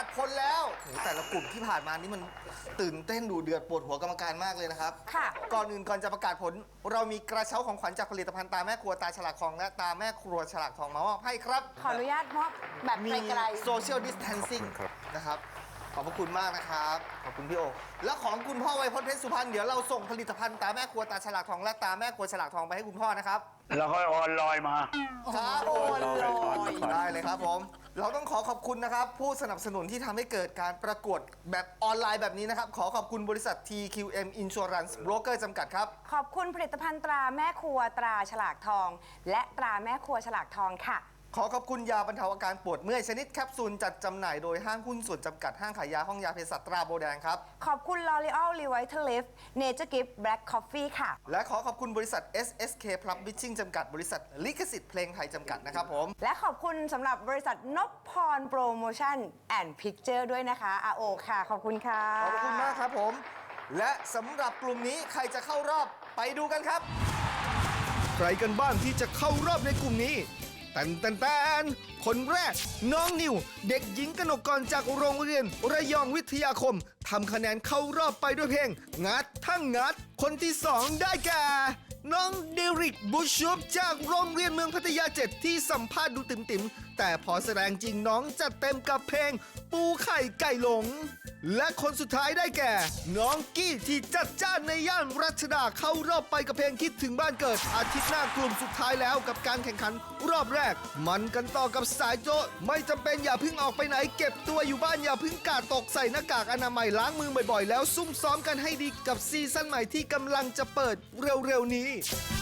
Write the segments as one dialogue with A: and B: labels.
A: คนแล้วโหแต่ละกลุ่มที่ผ่านมานี่มันตื่นเต้นดูเดือดปวดหัวกรรมการมากเลยนะครับ
B: ค่ะ
A: ก่อนอื่นก่อนจะประกาศผล เรามีกระเช้าของขวัญจากผลิตภัณฑ์ตาแม่ครัวตาฉลากทองและตาแม่ครัวฉลากทองมามอบให้ครับ
B: ขออนุญาตมอบแบบ
A: มี
B: ไกล
A: โซเชียลดิสแทนซิ่งนะครับ ขอบพระคุณมากนะครับ ขอบคุณพี่โอ และของคุณพ่อไวยพจน์เพชรสุพรรณเดี๋ยวเราส่งผลิตภัณฑ์ตาแม่ครัวตาฉลากทองและตาแม่ครัวฉลากทองไปให้คุณพ่อนะครับ
C: แล้วก็ออนไลน์มา
A: ครับ
B: โอนลอย
A: ได้เลยครับผม เราต้องขอขอบคุณนะครับ ผู้สนับสนุนที่ทำให้เกิดการประกวดแบบออนไลน์แบบนี้นะครับ ขอขอบคุณบริษัท TQM Insurance Broker จำกัดครับ
B: ขอบคุณผลิตภัณฑ์ตราแม่ครัวตราฉลากทอง และตราแม่ครัวฉลากทองค่ะ
A: ขอขอบคุณยาบรรเทาอาการปวดเมื่อยชนิดแคปซูลจัดจำหน่ายโดยห้างหุ้นส่วนจำกัดห้างขายยาห้องยาเภสัชตราโบแดงครับ
B: ขอบคุณ L'Oreal Revitalift Nature Gift Black Coffee ค่ะ
A: และขอขอบคุณบริษัท SSK Publishing จำกัดบริษัทลิขสิทธิ์เพลงไทยจำกัดนะครับผม
B: และขอบคุณสำหรับบริษัทนพพรโปรโมชั่นแอนด์พิกเจอร์ด้วยนะคะอาโอค่ะ ขอบคุณค่ะ
A: ขอบคุณมากครับผม และสำหรับกลุ่มนี้ใครจะเข้ารอบไปดูกันครับ ใครกันบ้างที่จะเข้ารอบในกลุ่มนี้แตนคนแรก น้องนิว เด็กหญิงกนกกรจากโรงเรียนระยองวิทยาคมทำคะแนนเข้ารอบไปด้วยเพลง งัดทั้งงัด คนที่สองได้แก่ น้องเดริกบุชชุบจากโรงเรียนเมืองพัทยา7ที่สัมภาษณ์ดูติ่มๆแต่พอแสดงจริงน้องจัดเต็มกับเพลง ปูไข่ไก่หลง และคนสุดท้ายได้แก่ น้องกี้ที่จัดจ้านในย่านรัชดาเข้ารอบไปกับเพลงคิดถึงบ้านเกิดอาทิตย์หน้ากลุ่มสุดท้ายแล้วกับการแข่งขันรอบแรก มันกันต่อกับสายโจ๊ะไม่จำเป็นอย่าเพิ่งออกไปไหนเก็บตัวอยู่บ้านอย่าเพิ่งกาดตกใส่หน้ากากอนามัยล้างมือบ่อยๆ แล้วซุ่มซ้อมกันให้ดีกับซีซั่นใหม่ที่กำลังจะเปิดเร็วๆนี้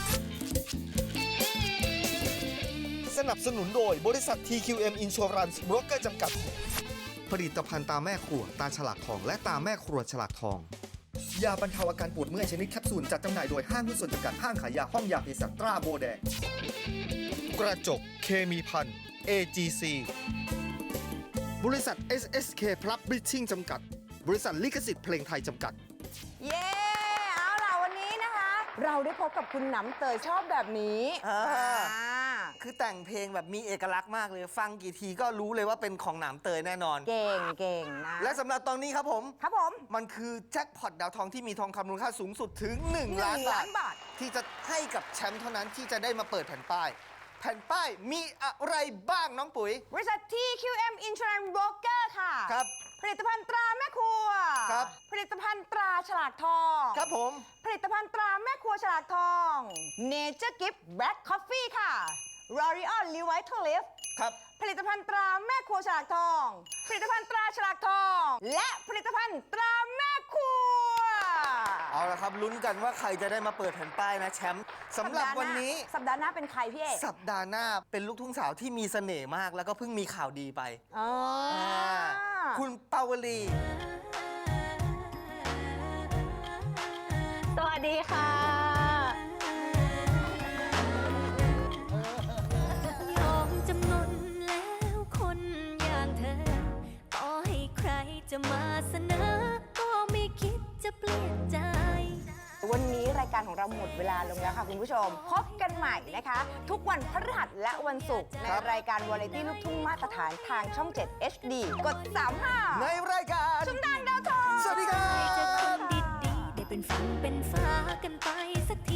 A: สนับสนุนโดยบริษัท TQM Insurance Broker จำกัด ผลิตภัณฑ์ตาแม่ครัวตาฉลากทองและตาแม่ครัวฉลากทอง ยาบรรเทาอาการปวดเมื่อยชนิดแคปซูลจัดจำหน่ายโดยห้างหุ้นส่วนจำกัดห้างขายยาห้องยาเภสัชตราโบแดง กระจกเคมีพัน AGC บริษัท SSK Publishing จำกัด บริษัทลิขสิทธิ์เพลงไทยจำกัด
B: เย้ เอาล่ะวันนี้นะคะ เราได้พบกับคุณหนำเตยชอบแบบนี้
A: คือแต่งเพลงแบบมีเอกลักษณ์มากเลย ฟังกี่ทีก็รู้เลยว่าเป็นของหนามเตยแน่นอน
B: เก่งนะ
A: และสำหรับตอนนี้ครับผม
B: ครับผม
A: มันคือแจ็คพอตดาวทองที่มีทองคำมูลค่าสูงสุดถึง 1 ล้าน
B: 1 ล้านบาท
A: ที่จะให้กับแชมป์เท่านั้นที่จะได้มาเปิดแผ่นป้าย แผ่นป้ายมีอะไรบ้างน้องปุ๋ย
B: บริษัท TQM Insurance Broker ค่ะ
A: ครับ
B: ผลิตภัณฑ์ตราแม่ครัว
A: ครับ
B: ผลิตภัณฑ์ตราฉลากทอง
A: ครับผม
B: ผลิตภัณฑ์ตราแม่ครัวฉลากทอง Nature Gift Black Coffee ค่ะ L'Oreal Revitalift
A: ครับ
B: ผลิตภัณฑ์ตราแม่ครัวฉลากทอง ผลิตภัณฑ์ตราฉลากทอง และผลิตภัณฑ์ตราแม่ครัว
A: เอาละครับลุ้นกันว่าใครจะได้มาเปิดแผ่นป้ายนะแชมป์สำหรับวันนี้
B: สัปดาห์หน้าเป็นใครพี่เอก
A: สัปดาห์หน้าเป็นลูกทุ่งสาวที่มีเสน่ห์มาก แล้วก็เพิ่งมีข่าวดีไป
B: อ๋ออ
A: คุณปาวลี
D: สวัสดีค่ะ ยอมจำนนแล้วคนอย่างเธอ ต่อให้ใครจะมาเสนอ ก็ไม่คิดจะเปลี่ยนใจ
B: วันนี้รายการของเราหมดเวลาลงแล้วค่ะคุณผู้ชม พบกันใหม่นะคะ ทุกวันพฤหัสและวันศุกร์ในรายการวาไรตี้ลูกทุ่งมาตรฐานทางช่อง 7 HD กด 35
A: ในรายการ
B: ชุมทางดาวทอง
A: สวัสดีครั
D: ให้เจอคน
A: บ
D: ดีๆ ได้เป็นฝันเป็นฟ้ากันไปสัก